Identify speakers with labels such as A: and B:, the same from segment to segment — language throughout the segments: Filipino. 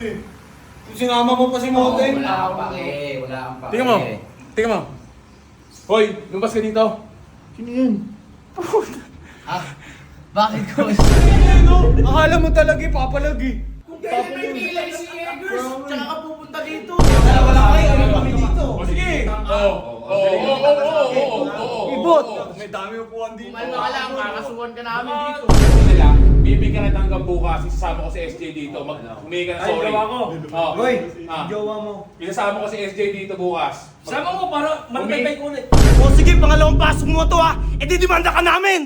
A: Sinama mo pa si Mote.
B: Wala kang pake, wala kang pake.
C: Tingnan mo. Tingnan mo. Hoy, lumabas ka dito.
A: Sino yun?
B: Ah, bakit ko?
A: Akala mo talaga ipapalagi.
B: Kung kailan may pilay si Eggers, tsaka ka pupunta dito.
A: Wala kayo, ano kami dito?
C: O sige. Oo.
A: Ibot! May dami upuan dito.
B: Kumalma ka lang, kakasuhan ka namin dito.
C: Nila, bibigyan kita hanggang bukas. Isasama ko si SJ dito. Humingi ka na sorry.
D: Ay, gawa ko.
C: Oh.
A: Hoy,
C: Ah.
A: jowa mo.
C: Isasama ko si SJ dito bukas.
D: Sama mo para magpapay ko ulit.
A: O sige, pangalawang pasok mo to ha. E didimanda ka namin!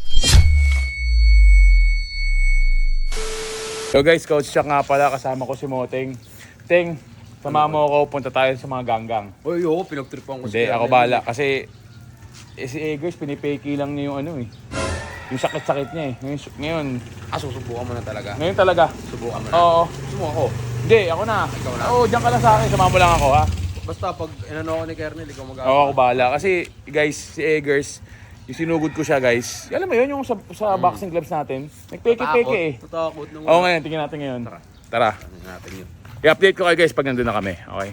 C: So guys, Coach Chuck nga pala. Kasama ko si Moteng. Teng, sama mo ako. Punta tayo sa mga ganggang.
E: Uy, oo, pinagtripan ko
C: Hindi, ako bala. Kasi si Eggers, pinipeki lang niya yung ano eh. Yung sakit-sakit niya eh. Ngayon,
E: susubukan mo na talaga.
C: ngayon talaga.
E: Subukan mo na.
C: Oo.
E: Subukan ako.
C: Hindi, ako na.
E: Ikaw na?
C: Oo, diyan ka lang sa akin. Sama mo lang ako ha.
E: Basta pag inano ako ni Kernel, ikaw mag-aaway.
C: Oo, ako bahala. Kasi guys, si Eggers, yung sinugod ko siya guys. Alam mo yun, yung sa boxing gloves natin. Nagpeke-peke eh.
E: Tatakot nung...
C: Oo, ngayon, tingnan natin ngayon. Tara.
E: Ano natin yun?
C: I-update ko kayo guys pag nandun na kami. Okay?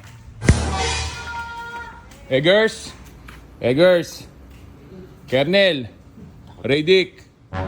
C: Eggers! Eggers! Kernel! Radic!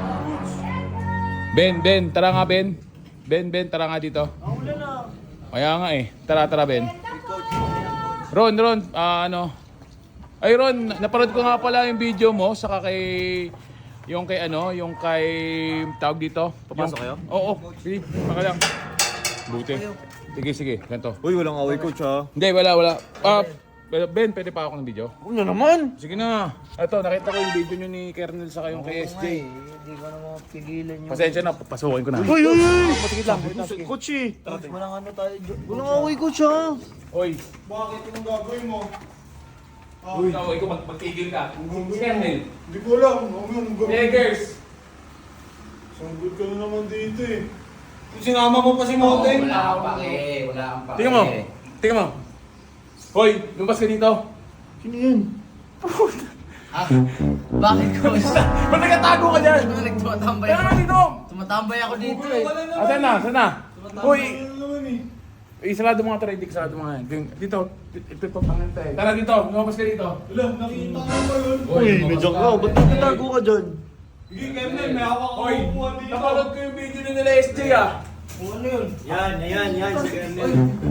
C: Ben, tara nga Ben. Ben, tara nga dito. Kaya nga eh. Tara Ben. Ron, ano? Ay Ron, napanood ko nga pala yung video mo saka kay yung kay tawag dito.
E: Papasok kayo?
C: Oo, sige, baka lang. Buti. Sige, ganito.
A: Uy, walang away coach ha.
C: Hindi, wala. Ben, pwede pa ako ng video?
A: Ano naman?
C: Sige na. Ito, nakita ko yung video nyo ni Kernel saka yung kay SJ.
B: Hindi ko na mapigilan yung...
C: Pasensya na, papasukin ko na.
A: Uy!
C: Matigit lang.
A: Coach eh.
B: Walang ano tayo.
A: Walang away coach ha.
C: Oy,
A: Bakit yung gagawin mo?
C: ikaw magtigil ka. Si Kernel.
A: Hindi ko alam.
C: Eggers.
A: Sanggol ka na naman dito eh. Sinama mo pa si Mote.
B: Wala kang pake, wala kang pake.
C: Tingnan mo. Hoy, lumabas ka dito.
A: Sino yun?
B: Ah, bakit ko?
C: Ba't nagtatago ka dyan?
B: Tumatambay
C: Kaya
B: ako.
C: nga dito.
B: Tumatambay ako dito eh.
C: Saan na? Hoy,
A: Ano naman eh?
C: sarado mga Radic, sarado mga dito. Ito pangalan tayo. Tara dito, lumabas ka dito.
A: Wala, nakita ko ba yun?
C: Uy,
A: medyo ka. Ba't nagtatago ka dyan?
F: Sige, Kevin, may hawak ako
C: Hoy,
F: upuan dito.
C: napanood ko yung video nila SJ ah.
F: Ano yun?
A: Yan. Si Kernel.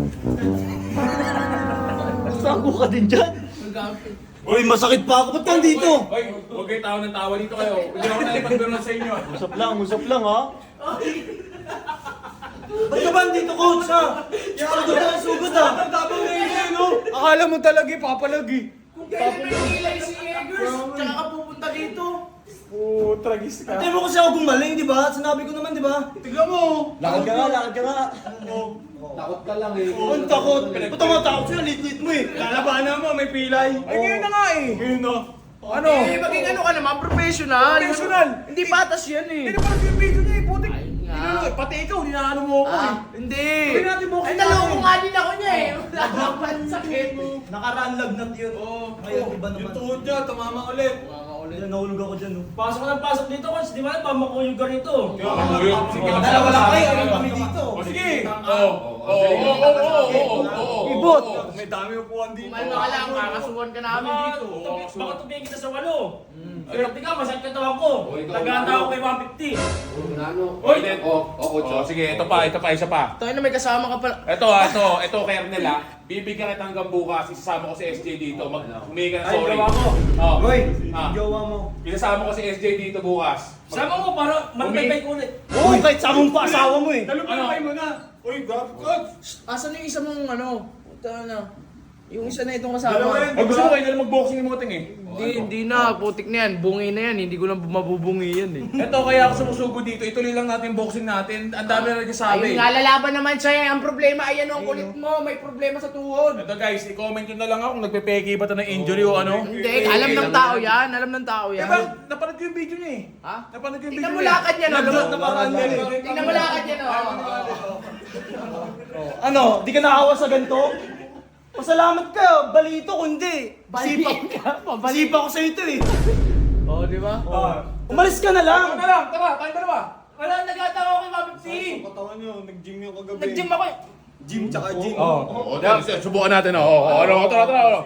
A: Tago ka din dyan. Uy, masakit pa ako. Ba't nandito?
C: Hoy, huwag kayo tawa ng tawa dito kayo. Hindi ako nalipagbiruan sa inyo.
A: Usap lang ha. Ba't ka ba dito, coach ha? Sugod ha.
F: Tapos na yun, no?
A: Akala mo talaga ipapalagi.
B: Kung kailan may pilay si Eggers, tsaka ka pupunta dito.
C: Tragis ka.
A: Hindi mo kasi ako gumaling, di ba? Sinabi ko naman, di ba?
F: Tignan mo.
A: Lakad ka nga.
B: Takot ka lang eh.
A: Ang takot. Ba't ang matakot sa'yo? Lit-lit mo eh.
F: Lalabanan mo, may pilay.
C: Ay, ngayon na nga eh.
F: Ngayon na.
C: Ano?
B: Eh, maging ano ka naman, professional.
C: Professional.
B: Hindi patas yan eh.
C: Hindi naman yung video niya eh, putik.
B: Ay nga.
C: Pati ikaw, hinaano mo ako eh.
B: Hindi.
C: Gawin natin boxing
B: Ay, naloko
C: natin.
B: nga din ako niya eh. Wala akong sakit.
A: Nakaraan lagnat yun. Ngayon, iba naman.
F: Yung tuhod niya, tumama ulit.
A: Nahulog ako dyan.
D: Pasok ka ng pasok dito, coach. Di ba? Pamakuyog ka rito.
C: Sige,
A: Dalawa lang kayo. Ano kami dito?
C: O sige. Oo.
A: Ibot!
F: May dami upuan dito.
B: Kumalma ka lang, kakasuhan ka namin dito.
D: Baka tubigin kita sa 8. Pero tika, masakit ka tawag ko. Naganda ako kay 150.
C: Oy, sige, ito pa, isa pa.
B: Tayo na may kasama ka pala.
C: Ito, Kernel ha. Bibigyan kita hanggang bukas, isasama ko si SJ dito. Humingi ka na
D: Ay,
C: sorry.
D: gawa ko.
C: Oh.
A: Hoy,
C: Ah.
A: jowa mo.
C: Isasama ko si SJ dito bukas.
D: Sama mo para magpapay ko ulit.
A: Uy, kahit samong pa asawa mo eh.
F: Talupay mo na. Uy, grabe ka.
B: Asan yung isa mong ano? Puta na. Yung isa na itong
F: Dalawa
B: kasama.
F: yan.
C: Ay, gusto mo kayo na mag-boxing yung mga ting eh.
B: Hindi na. Putik na yan. Bungi na yan. Hindi ko lang mabubungi yan eh.
C: Ito, kaya ako sumusugo dito. Ituloy lang natin yung boxing natin. Ang dami na nagsasabi.
B: Ayun nga, lalaban naman siya. Ang problema, ayan ang kulit mo. May problema sa tuhod.
C: Ito guys, i-comment nyo na lang ako kung nagpe-peke ba ito ng injury o ano.
B: Hindi, alam ng tao yan. Alam ng tao
C: Eh,
B: yan.
C: bakit? Napanood ko yung video niya eh.
B: Ha?
C: Napanood ko yung
B: Tingnan
C: video
B: mo
C: niya.
B: lakad niya, no?
F: Naparaan yan.
B: Tingnan mo lakad niya, no?
A: Ano, di ka nakawa sa ganito? Pasalamat ka, balito kundi. Sipa ko sa ito eh.
B: Oo, di ba?
A: Umalis ka na lang.
C: Tara na lang, tara, tayo dalawa.
B: Wala, nagatawa ko kay 150.
F: Katawan niyo, nag-gym yung kagabi.
B: Nag-gym ako eh.
F: Gym tsaka gym.
C: Oh, subukan natin. Ano, tara.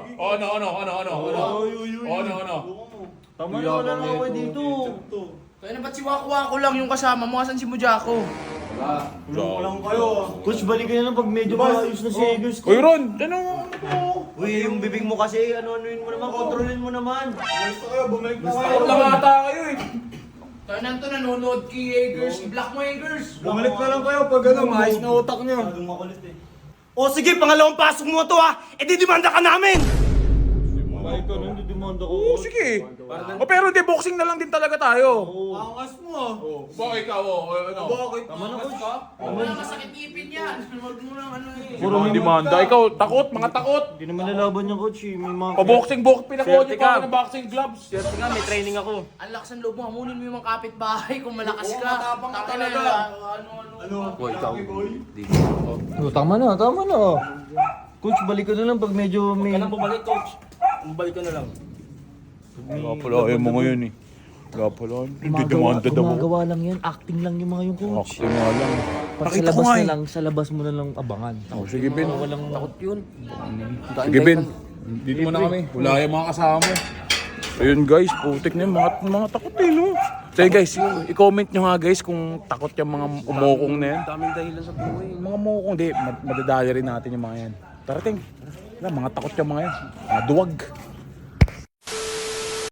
C: Ano.
A: Tama na, wala na ako dito.
B: Kaya na ba't si Waku lang yung kasama mo? Asan si Mujako?
F: Tulong ko lang kayo.
A: Coach, balikan na lang pag medyo maayos na si Eagles.
C: Uy, Ron, ano?
A: Uy, yung bibig mo kasi, ano-anuin mo naman, kontrolin mo naman.
F: Basta kayo, bumalik na kayo.
D: Takot lang ata kayo eh.
B: Kaya nanto nanonood kay Eggers. I-block mo Eggers.
F: Bumalik na lang kayo pag ano, maayos na utak niyo.
A: O sige, pangalawang pasok mo to ha. E di demanda ka namin!
F: Ay, ikaw nang didemanda ko.
C: Oo, sige. Pero di, boxing na lang din talaga tayo.
F: Angas mo ah.
C: Bakit ikaw? Ano?
F: Bakit?
A: Tama na, coach.
B: Wala masakit ngipin yan. Huwag mo lang ano eh.
C: Puro demanda. Ikaw, takot, mga takot.
A: Hindi naman nalaban niya, coach. May mga...
C: Pa-boxing, pinakuha niyo pa ako ng boxing gloves.
A: Swerte nga, may training ako.
B: Ang lakas ng loob mo. Hamunin mo yung mga kapitbahay kung malakas ka.
D: matapang ka
B: Tangina,
D: talaga.
B: Ano.
E: Boy, ikaw.
A: Tama na. Coach, balik ka na lang pag medyo may...
D: Kailan bumalik, coach? Bumalik ka na lang.
C: Gapala, ayaw mo ngayon eh. Gapala, hindi demanda daw.
A: Gumagawa lang yan. Acting lang yung mga yung coach.
C: Acting nga lang.
A: Pag sa
C: Nakita ko
A: labas
C: nga
A: na
C: eh.
A: lang, sa labas mo na lang abangan.
C: Oh, sige, Ben.
A: Walang...
D: Takot yun.
C: Sige, Ben. Dito muna kami. Wala yung mga kasama mo. Ayun guys, putik na yung mga takot eh, no? So yun, guys, i-comment nyo nga guys kung takot yung mga umukong na yan.
E: Daming dahilan sa buhay.
C: Yung mga umukong, di, madadali rin natin yung mga yan. Tarating. Mga takot yung mga yan. Mga duwag.